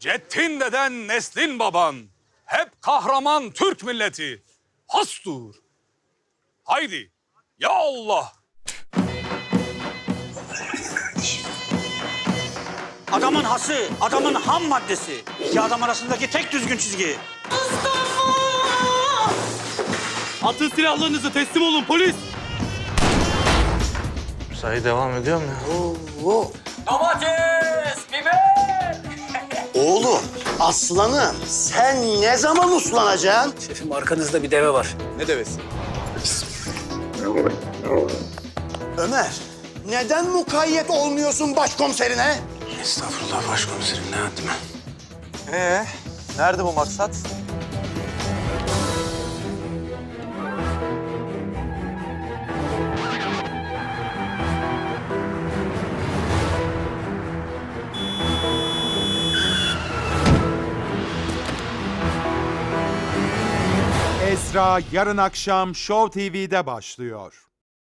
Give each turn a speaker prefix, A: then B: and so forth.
A: Ceddin deden, neslin baban. Hep kahraman Türk milleti. Hastur. Haydi. Ya Allah.
B: Adamın hası, adamın ham maddesi. İki adam arasındaki tek düzgün çizgi.
C: Atın silahlarınızı, teslim olun polis.
D: Sayı devam ediyor mu ya?
B: Domates, biber.
E: Oğlum, aslanım sen ne zaman uslanacaksın?
B: Şefim arkanızda bir deve var.
C: Ne devesi?
E: Ömer, neden mukayyet olmuyorsun başkomiserine?
D: Estağfurullah başkomiserim, ne yaptım ben?
C: Nerede bu maksat?
F: Esra yarın akşam Show TV'de başlıyor.